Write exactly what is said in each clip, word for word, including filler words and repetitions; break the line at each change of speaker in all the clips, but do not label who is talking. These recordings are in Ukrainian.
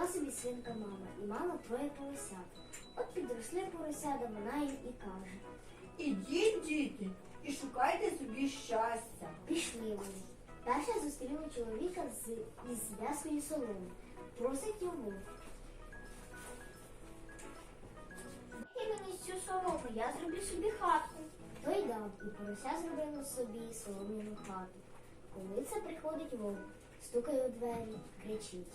Жила собі свинка мама, і мала троє поросят. От підросли поросята, вона їм і каже:
Ідіть, діти, і шукайте собі щастя.
пішли вони. Перша зустріла чоловіка з, із зв'язкою соломи. Просить його:
І мені цю солому, я зроблю собі хатку.
той дав, і порося зробило собі солом'яну хату. Коли це приходить вовк, стукає у двері, кричить: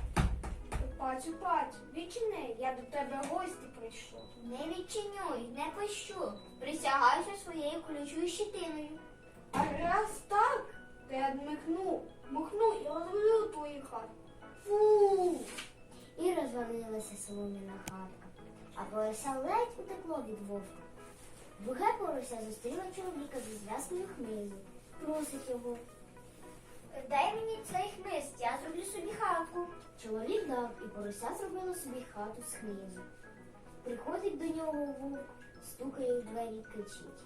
Пацю, пацю, відчини, я до тебе в гості прийшов. Не відчинюй, не пощу. Присягаюся своєю колючою щитиною.
А раз так, то я дмихну, махну і розлю твої хати. Фу!
І розвалилася солом'яна хатка, а порося ледь утекло від вовка. Друге порося зустріла чоловіка зі зв'язкою хмизу. Просить його.
Дай мені цей хмиз, я зроблю собі хатку.
Чоловік дав, і порося зробило собі хату з хмизу. Приходить до нього вовк, стукає у двері, кричить: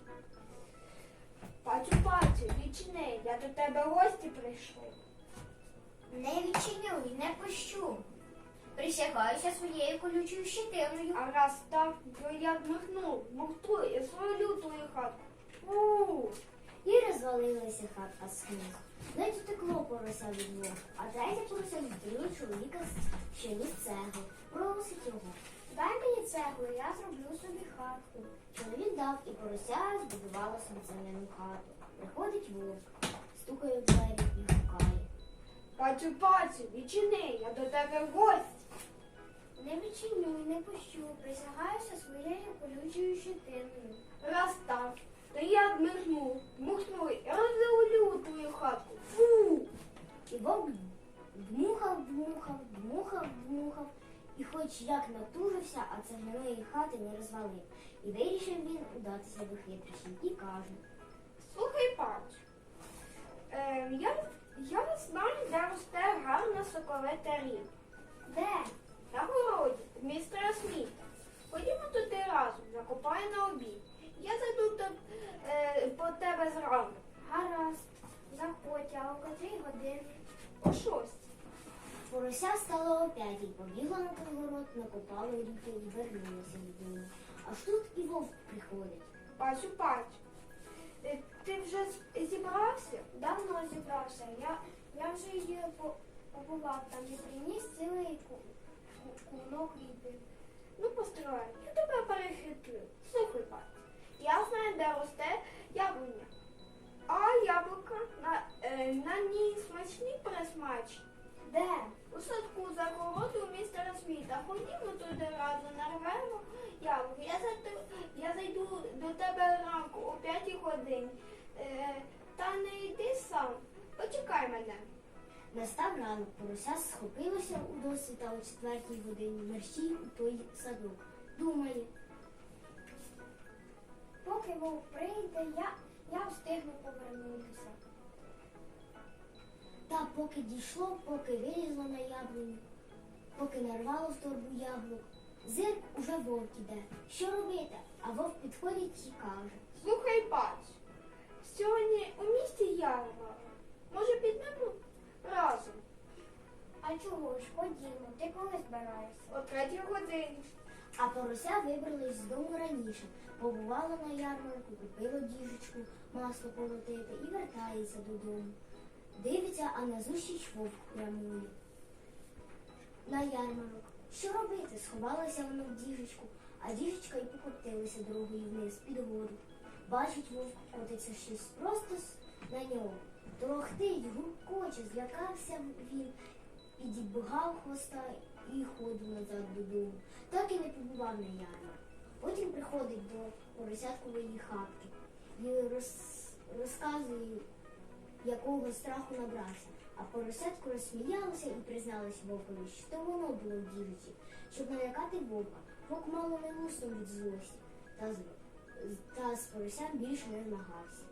Пацю, пацю, відчини, я до тебе в гості прийшов.
Не відчинюй, не пощу. Присягаюся своєю колючою щитиною.
А раз так, то я дмихну, махну і розлю твою хатку. Фу!
І розвалилася хатка з хмизу. Ледь утекло порося від вовка, а третє порося зустріло чоловіка з ще з цегли. Просить його:
Дай мені цеглу, я зроблю собі хатку.
чоловік дав, і порося збудувала собі земляну хату. Приходить вовк, стукає у двері і гукає:
Пацю, пацю, відчини, я до тебе в гості.
Не відчинюй, не пощу. Присягаюся своєю колючою щитиною.
Раз так, то я дмихну, махну і розлю твою хатку. Фу!
І вовк дмухав, дмухав, дмухав, дмухав, і хоч як натужився, а цегляної хати не розвалив. І вирішив він удатися до хитрощів і каже:
Слухай, пацю, е, я, я знаю, де росте гарне соковите ріб.
Де?
На городі, в містера Сміта. Ходімо туди разом, закопаю на обід. Я зайду до, е, по тебе зранку.
Гаразд. Заходь, а о котрій годині?
О шостій.
Порося стало о п'ятій, побігла на той город, накопала ріки і вернулася додому. Аж тут і вовк приходить.
Пацю, пацю, е, ти вже з- зібрався?
Давно зібрався. Я, я вже її по- побував там і приніс цілий ку- ку- кунок ріпи.
Ну, постривай, я тебе перехитрю. Слухай, пацю, я знаю, де росте яблуня. А яблука на, е, на ній смачні присмачні.
Де?
У садку за городу у містера Сміта. Ходімо туди разом, нарвемо яблуки. Я зайду, я зайду до тебе ранку о п'ятій годині. Е, та не йди сам. Почекай мене.
Настав ранок, порося схопилося у досвіта о четвертій годині, мерщій у той садок. Думає:
Поки вовк прийде, я, я встигну повернутися.
та поки дійшло, поки вилізло на яблуню, поки нарвало в торбу яблук, зирк уже вовк іде. Що робити? А вовк підходить і каже:
Слухай, пацю, сьогодні у місті ярмарок. Може, підемо разом?
А чого ж, ходімо, ти коли збираєшся?
О третій годині.
А порося вибралась з дому раніше, побувала на ярмарку, купила діжечку, масло полотити і вертається додому. Дивиться, а назустріч вовк прямує на ярмарок. Що робити? Сховалася вона в діжечку, а діжечка і покотилася дорогою вниз під воду. Бачить, вовк котиться щось просто с- на нього. Торохтить, гуркоче, злякався він, підібгав хвоста і ходив назад додому. Так і не побував на ярмарку. Потім приходить до поросяткової хатки і роз... розказує, якого страху набрався. А поросятко розсміялося і призналось вовкові, що то воно було в діжиці, щоб налякати вовка. Вовк мало не луснув від злості, та з, та з поросям більше не змагався.